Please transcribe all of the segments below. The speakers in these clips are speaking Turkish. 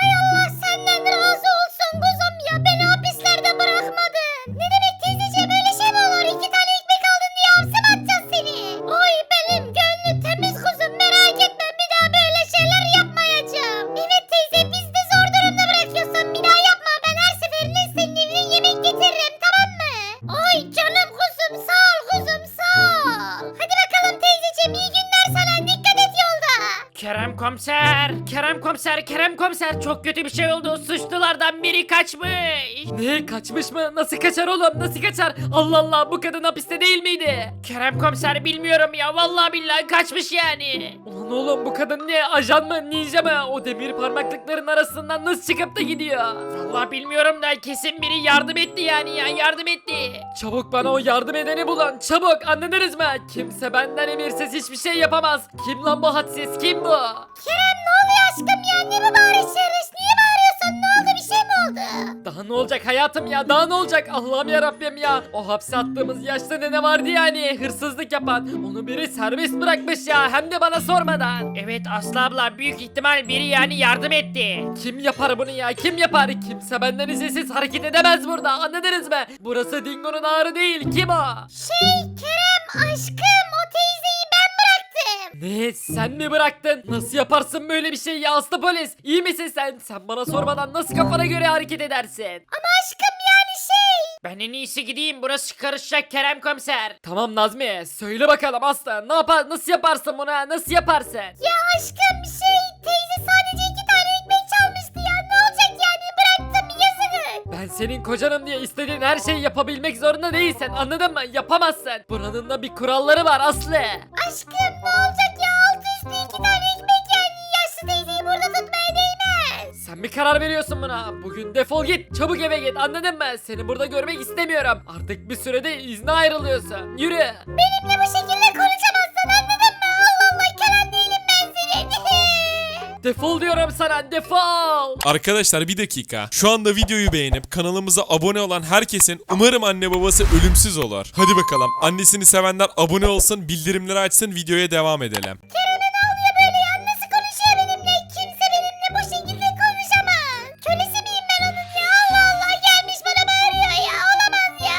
Hay Allah senden razı olsun kuzum ya. Beni hapislerde bırakmadın. Ne demek teyzeciğim, öyle şey mi olur? 2 tane ekmek aldın diye hapse mi atacağız seni? Oy benim gönlü temiz kuzum, merak etme. Bir daha böyle şeyler yapmayacağım. Evet teyze, biz de zor durumda bırakıyorsun. Bir daha yapma. Ben her seferinde senin evine yemek getiririm, tamam mı? Oy canım kuzum, sağ ol kuzum, sağ ol. Hadi bakalım teyzeciğim, iyi günler sana. Dikkat et yolda. Kerem komiser, Kerem komiser, Kerem komiser, çok kötü bir şey oldu. Suçlulardan biri kaçmış. Ne, kaçmış mı? Nasıl kaçar oğlum? Nasıl kaçar? Allah Allah, bu kadın hapiste değil miydi? Kerem komiser bilmiyorum ya, vallahi billahi kaçmış yani. Ulan oğlum, bu kadın ne? Ajan mı? Ninja mı? O demir parmaklıkların arasından nasıl çıkıp da gidiyor? Vallahi bilmiyorum da kesin biri yardım etti yani ya, yardım etti. Çabuk bana o yardım edeni bulun. Çabuk, anladınız mı? Kimse benden emirsiz hiçbir şey yapamaz. Kim lan bu hadsiz? Kim bu? Kerem ne oluyor aşkım ya? Ne bu bağırışırış? Niye bağırıyorsun? Ne oldu? Bir şey mi oldu? Daha ne olacak hayatım ya? Daha ne olacak? Allah'ım ya Rabbim ya. O hapse attığımız yaşlı nene vardı yani, hırsızlık yapan. Onu biri serbest bırakmış ya, hem de bana sormadan. Evet Aslı abla, büyük ihtimal biri yani yardım etti. Kim yapar bunu ya? Kim yapar? Kimse benden izinsiz hareket edemez burada. Anladınız mı? Burası Dingo'nun ağrı değil. Kim o? Kerem aşkım, o teyzeyi ben bıraktım. Ne? Sen mi bıraktın? Nasıl yaparsın böyle bir şey ya Aslı polis? İyi misin sen? Sen bana sormadan nasıl kafana göre hareket edersin? Ama aşkım yani Ben en iyisi gideyim, burası karışacak Kerem komiser. Tamam Nazmi, söyle bakalım Aslı, ne yapar, nasıl yaparsın bunu, nasıl yaparsın? ya aşkım teyze sadece 2 tane ekmek çalmıştı ya. Ne olacak yani, bıraktım, yazık. Ben senin kocanım diye istediğin her şeyi yapabilmek zorunda değilsin, anladın mı? Yapamazsın. Buranın da bir kuralları var Aslı. Aşkım ne olacak ya, altı üstü 2 tane ekmek yani. Yaşlı teyzeyi burada tutmaya değmez. Sen bir karar veriyorsun buna. Bugün defol git, çabuk eve git, anladın mı? Seni burada görmek istemiyorum. Artık bir sürede izne ayrılıyorsun. Yürü. Benimle bu şekilde konuşamazsın, anladın mı? Allah Allah, Kerem değilim ben senin. Defol diyorum sana, defol. Arkadaşlar bir dakika. Şu anda videoyu beğenip kanalımıza abone olan herkesin umarım anne babası ölümsüz olur. Hadi bakalım. Annesini sevenler abone olsun, bildirimleri açsın, videoya devam edelim. Kerem'e ne oluyor böyle ya? Nasıl konuşuyor benimle? Kimse benimle bu şekilde konuşamaz. Kölesi miyim ben onun ya? Allah Allah, gelmiş bana bağırıyor ya. Olamaz ya.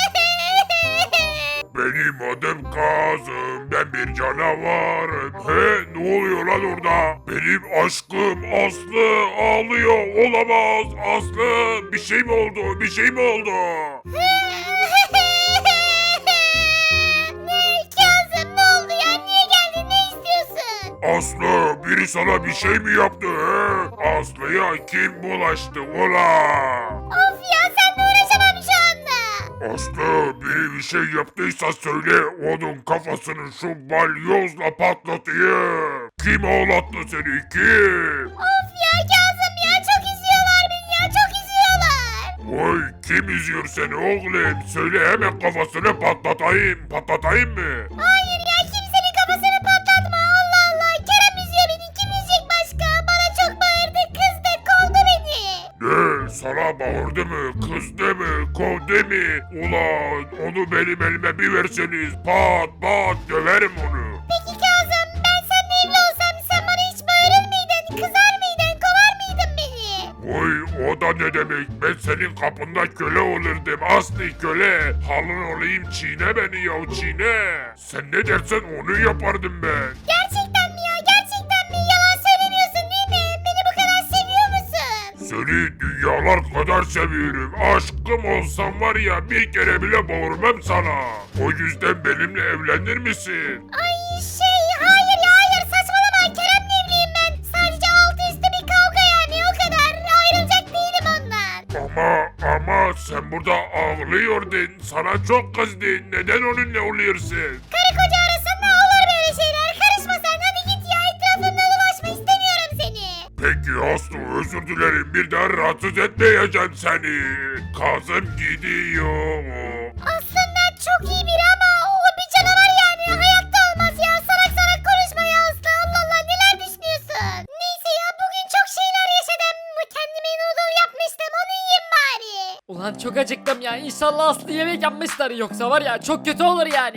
Benim adım Kazım, ben bir canavarım. He, ne oluyor lan orada? Benim aşkım Aslı ağlıyor, olamaz. Aslı, bir şey mi oldu, bir şey mi oldu? Ne Kazım, ne oldu ya? Niye geldin? Ne istiyorsun? Aslı, biri sana bir şey mi yaptı he? Aslı'ya kim bulaştı ula? Of ya, seninle uğraşamam şu anda. Aslı, biri bir şey yaptıysa söyle, onun kafasını şu balyozla patlatayım. Kim ağlattı seni, kim? Of ya Kazım ya, çok üzüyorlar beni ya, çok üzüyorlar. Vay, kim üzüyor seni oğlum? Söyle hemen kafasını patlatayım. Patlatayım mı? Hayır ya, kimsenin kafasını patlatma. Allah Allah, Kerem üzüyor beni. Kim üzecek başka? Bana çok bağırdı, kızdı, kovdu beni. Ne? Sana bağırdı mı? Kızdı mı? Kovdu mu? Ulan onu benim elime bir verseniz pat pat döverim onu. Peki Kazım, ben seninle evli olsam sen bana hiç bağırır mıydın? Kızar mıydın? Kovar mıydın beni? Vay, o da ne demek? Ben senin kapında köle olurdum. Aslı köle. Halın olayım, çiğne beni ya, çiğne. Sen ne dersen onu yapardım ben. Gerçekten mi ya? Gerçekten mi? Yalan söylemiyorsun değil mi? Beni bu kadar seviyor musun? Seni dünyalar kadar seviyorum. Aşkım olsam var ya, bir kere bile bağırmam sana. O yüzden benimle evlenir misin? Ay hayır ya, hayır, saçmalama. Kerem'le evliyim ben. Sadece altı üstü bir kavga yani, o kadar. Ayrılacak değilim ondan. Ama sen burada ağlıyordun. Sana çok kızdı. Neden onunla oluyorsun? Karı koca arasında olur böyle şeyler. Karışma sen, hadi git ya, etrafında dolaşma, istemiyorum seni. Peki Aslı, özür dilerim. Bir daha rahatsız etmeyeceğim seni. Kazım gidiyor. Aslında çok iyi biri ama o bir canavar yani. Hayatta olmaz ya. Salak salak konuşma ya Aslı. Allah Allah, neler düşünüyorsun? Neyse ya, bugün çok şeyler yaşadım. Kendime noodle yapmıştım, onu yiyeyim bari. Ulan çok acıktım ya, İnşallah Aslı yemek yapmışlar, yoksa var ya çok kötü olur yani. Zaten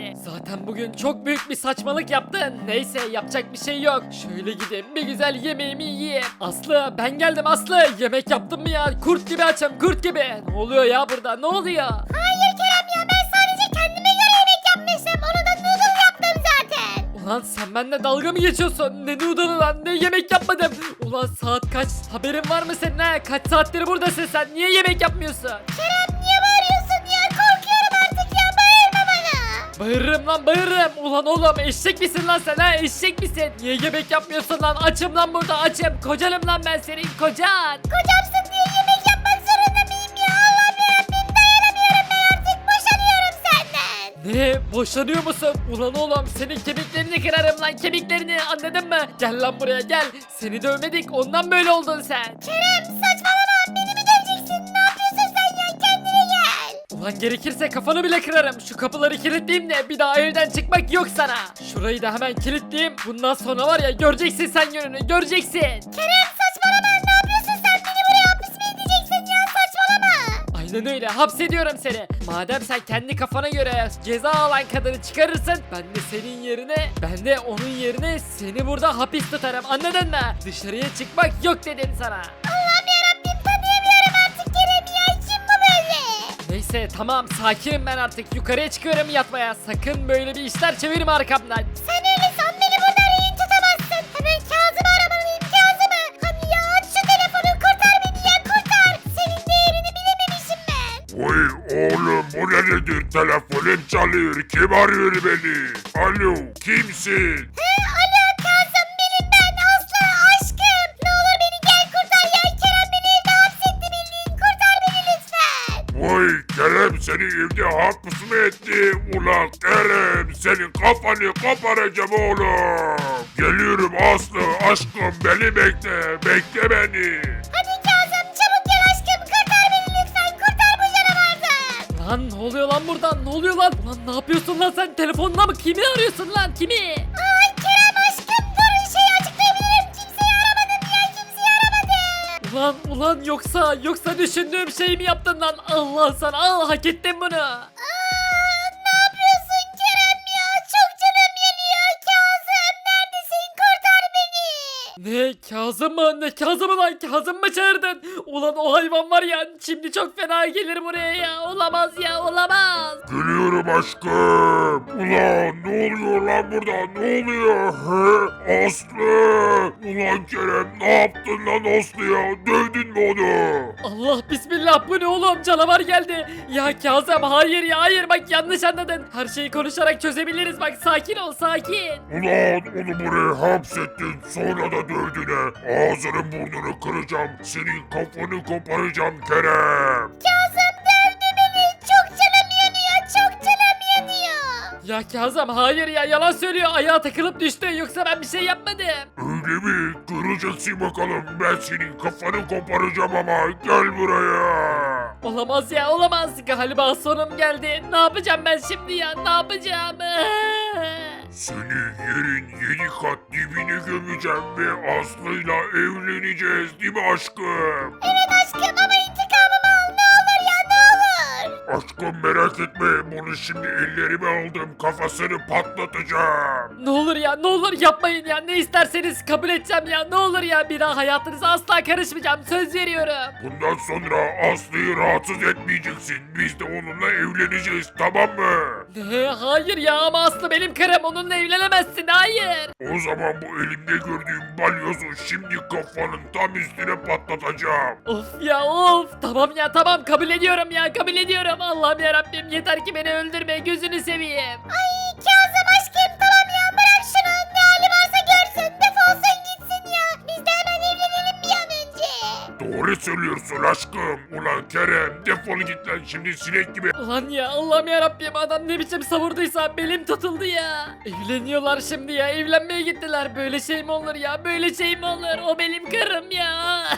Zaten bugün çok büyük bir saçmalık yaptın. Neyse yapacak bir şey yok. Şöyle gideyim bir güzel yemeğimi yiyeyim. Aslı ben geldim Aslı. Yemek yaptın mı ya? Kurt gibi açım kurt gibi. Ne oluyor ya burada ne oluyor? Hayır Kerem ya, ben sadece kendime göre yemek yapmıştım. Onu da noodle yaptım zaten. Ulan sen benimle dalga mı geçiyorsun? Ne noodle'ı lan ne yemek yapmadım. Ulan saat kaç? Haberin var mı senin ha? Kaç saattir buradasın sen? Niye yemek yapmıyorsun? Kerem niye bağırıyorsun ya? Korkuyorum artık ya, bağırma bana. Bağırırım lan bağırırım. Ulan oğlum eşek misin lan sen ha? Eşek misin? Niye yemek yapmıyorsun lan? Açım lan burada açım. Kocanım lan ben senin kocan. Kocamsın diye yemek yapmak zorunda mıyım ya? Allah'ım yarabbim, dayanamıyorum ben artık, boşanıyorum senden. Ne? Boşanıyor musun? Ulan oğlum senin kemiklerini kırarım lan kemiklerini anladın mı? Gel lan buraya gel. Seni dövmedik ondan böyle oldun sen. Kerem saçmalama, beni mi döveceksin? Ne yapıyorsun sen ya? Kendine gel. Ulan gerekirse kafanı bile kırarım. Şu kapıları kilitleyeyim de bir daha evden çıkmak yok sana. Şurayı da hemen kilitleyeyim. Bundan sonra var ya göreceksin sen gününü göreceksin. Kerem saçmalama, ne yapıyorsun sen? Beni buraya hapis mi edeceksin ya? Saçmalama. Aynen öyle hapsediyorum seni. Madem sen kendi kafana göre ceza alan kadını çıkarırsın ben de senin yerine ben de onun yerine seni burada hapis tutarım anladın mı? Dışarıya çıkmak yok dedim sana. Allah'ım yarabbim, tanıyamıyorum artık Kerem ya. Kim bu böyle? Neyse tamam sakinim ben artık yukarıya çıkıyorum yatmaya. Sakın böyle bir işler çevirme arkamdan. Sen öyle san, beni burada rehin tutamazsın. Hemen Kazım'ı aramalıyım, Kazım'ı. Hadi ya aç şu telefonu, kurtar beni ya, kurtar. Senin değerini bilememişim ben. Oy oğlum bu ne nedir? Telefonum çalıyor. Kim arıyor beni? Alo kimsin? Alo Kazım, benim ben Aslı, aşkım. Ne olur beni gel kurtar ya. Kerem beni evde hapsetti bildiğin. Kurtar beni lütfen. Vay Kerem seni evde hapis mi etti? Ulan Kerem senin kafanı koparacağım oğlum. Geliyorum Aslı aşkım beni bekle. Bekle beni. Hadi Kazım çabuk gel aşkım, kurtar beni lütfen. Kurtar bu canavardan. Lan ne oluyor lan burada ne oluyor lan? Lan ne yapıyorsun lan sen telefonla mı kimi arıyorsun lan kimi? Ay Kerem aşkım dur, şey açıklayabilirim. Kimseyi aramadım ya, kimseyi aramadım. Ulan yoksa düşündüğüm şeyi mi yaptın lan? Allah sana al hak ettin bunu. Ne yapıyorsun Kerem ya? Çok canım yanıyor. Kazım neredesin? Kurtar beni. Ne Kazım mı? Ne Kazım'ı lan? Kazım mı çağırdın? Ulan o hayvan var ya şimdi çok fena gelir buraya ya. Olamaz ya olamaz. Geliyorum aşkım. Ulan ne oluyor lan burada? Ne oluyor? He? Aslı. Ulan Kerem ne yaptın lan Aslı'ya? Dövdün mü onu? Allah bismillah bu ne oğlum canavar geldi. Ya Kazım hayır ya hayır bak yanlış anladın. Her şeyi konuşarak çözebiliriz bak sakin ol sakin. Ulan onu buraya hapsettin sonra da dövdün he. Ağzının burnunu kıracağım. Senin kafanı koparacağım Kerem. Kazım dövdü beni. Çok canım yanıyor. Çok canım yanıyor. Ya Kazım hayır ya yalan söylüyor ayağa takılıp düştü yoksa ben bir şey yapmadım. Öyle mi? Göreceksin bakalım. Ben senin kafanı koparacağım ama. Gel buraya. Olamaz ya olamaz galiba sonum geldi. Ne yapacağım ben şimdi ya ne yapacağım? Seni yerin 7 kat dibine gömeceğim ve Aslı'yla evleneceğiz değil mi aşkım? Evet aşkım ama intikamımı al. Ne olur ya, ne olur. Aşkım merak etme bunu şimdi ellerime aldım kafasını patlatacağım. Ne olur ya ne olur yapmayın ya ne isterseniz kabul edeceğim ya ne olur ya bir daha hayatınıza asla karışmayacağım söz veriyorum. Bundan sonra Aslı'yı rahatsız etmeyeceksin. Biz de onunla evleneceğiz tamam mı? Ne hayır ya ama Aslı benim karım onunla evlenemezsin hayır. O zaman bu elimde gördüğüm balyozu şimdi kafanın tam üstüne patlatacağım. Of ya of tamam ya tamam kabul ediyorum ya kabul ediyorum Allah'ım yarabbim yeter ki beni öldürme gözünü seveyim. Ay Kazım aşkım tamam ya, bırak şunu. Ne hali varsa görsün. Defolsun gitsin ya. Biz de hemen evlenelim bir an önce. Doğru söylüyorsun aşkım. Ulan Kerem defol git lan şimdi sinek gibi. Ulan ya Allah'ım yarabbim adam ne biçim savurduysa belim tutuldu ya. Evleniyorlar şimdi ya evlenmeye gittiler böyle şey mi olur ya böyle şey mi olur o benim karım ya.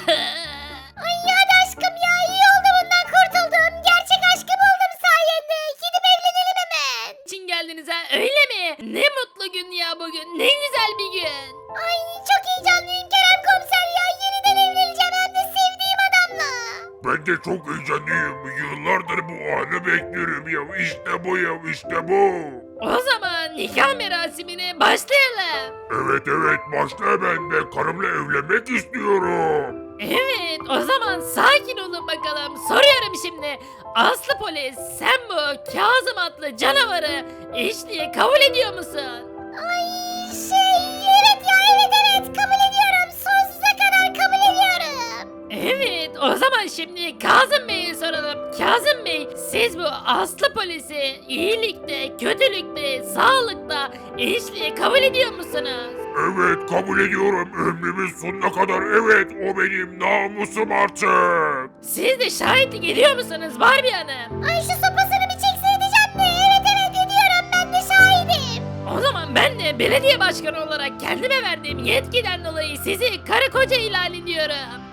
Ay hadi aşkım ya, iyi oldu bundan kurtuldum. Gerçek aşkı buldum sayende. Gidip evlenelim hemen. için geldiniz ha öyle mi? Ne mutlu gün ya bugün ne güzel bir gün. Ay çok heyecanlıyım Kerem komiser ya. Yeniden evleneceğim hem de sevdiğim adamla. Ben de çok heyecanlıyım. Yıllardır bu anı bekliyorum ya. İşte bu ya işte bu. O zaman zaman nikah merasimine başlayalım. Evet başla hemen de karımla evlenmek istiyorum. Evet, o zaman sakin olun bakalım. Soruyorum şimdi. Aslı polis, sen bu Kazım adlı canavarı eşliğe kabul ediyor musun? Evet ya, evet kabul ediyorum. Sonsuza kadar kabul ediyorum. Evet, o zaman şimdi Kazım Bey'e soralım. Kazım Bey, siz bu Aslı polisi iyilikte, kötülükte, sağlıkta eşliğe kabul ediyor musunuz? Evet kabul ediyorum. Ömrümün sonuna kadar evet, o benim namusum artık. Siz de şahitlik ediyor musunuz Barbie Hanım? Ay şu sopasını bir çekse edeceğim de. Evet ediyorum, ben de şahidim. O zaman ben de belediye başkanı olarak kendime verdiğim yetkiden dolayı sizi karı koca ilan ediyorum.